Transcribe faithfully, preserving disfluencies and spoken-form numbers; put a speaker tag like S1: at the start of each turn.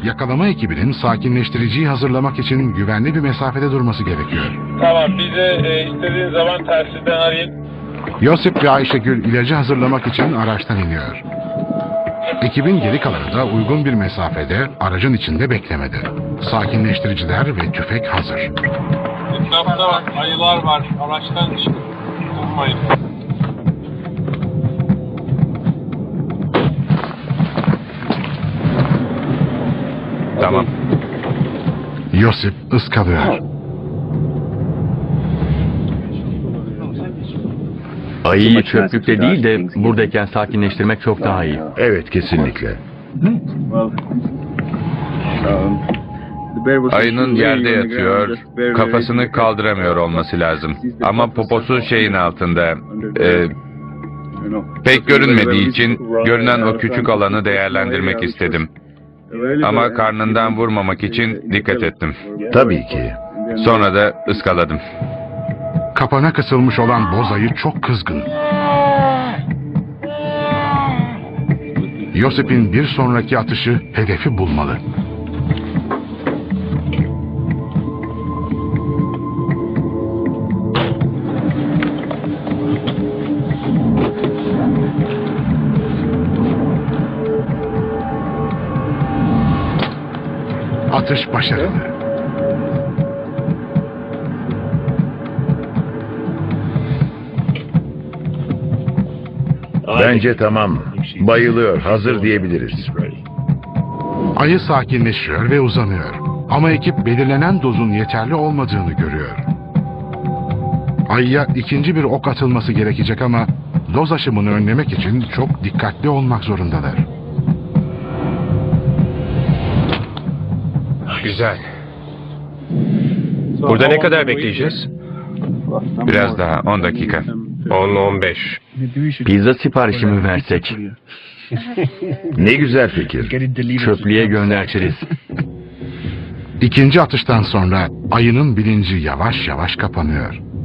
S1: yakalama ekibinin sakinleştiriciyi hazırlamak için güvenli bir mesafede durması gerekiyor.
S2: Tamam, bize e, istediğin zaman tersiden arayın.
S1: Yosip ve Ayşegül ilacı hazırlamak için araçtan iniyor. Ekibin geri kalanı da uygun bir mesafede aracın içinde beklemedi. Sakinleştiriciler ve tüfek hazır.
S2: Etrafta bak, ayılar var. Araçtan çıkın. Durmayın.
S3: Tamam.
S1: Yosip ıskalıyor.
S4: Ayıyı çöplükte değil de buradayken sakinleştirmek çok daha iyi.
S5: Evet, kesinlikle.
S3: Ayının yerde yatıyor, kafasını kaldıramıyor olması lazım. Ama poposu şeyin altında. Ee, pek görünmediği için görünen o küçük alanı değerlendirmek istedim. Ama karnından vurmamak için dikkat ettim.
S5: Tabii ki.
S3: Sonra da ıskaladım.
S1: Kapana kısılmış olan boz ayı çok kızgın. Yosip'in bir sonraki atışı hedefi bulmalı. Atış başarılı.
S5: Bence tamam. Bayılıyor, hazır diyebiliriz.
S1: Ayı sakinleşiyor ve uzanıyor. Ama ekip belirlenen dozun yeterli olmadığını görüyor. Ayıya ikinci bir ok atılması gerekecek ama doz aşımını önlemek için çok dikkatli olmak zorundalar.
S3: Güzel.
S6: Burada ne kadar bekleyeceğiz?
S3: Biraz daha, on dakika.
S6: on on beş.
S4: Pizza siparişi mi versek?
S5: Ne güzel fikir.
S4: Çöplüğe göndertiriz.
S1: İkinci atıştan sonra ayının bilinci yavaş yavaş kapanıyor.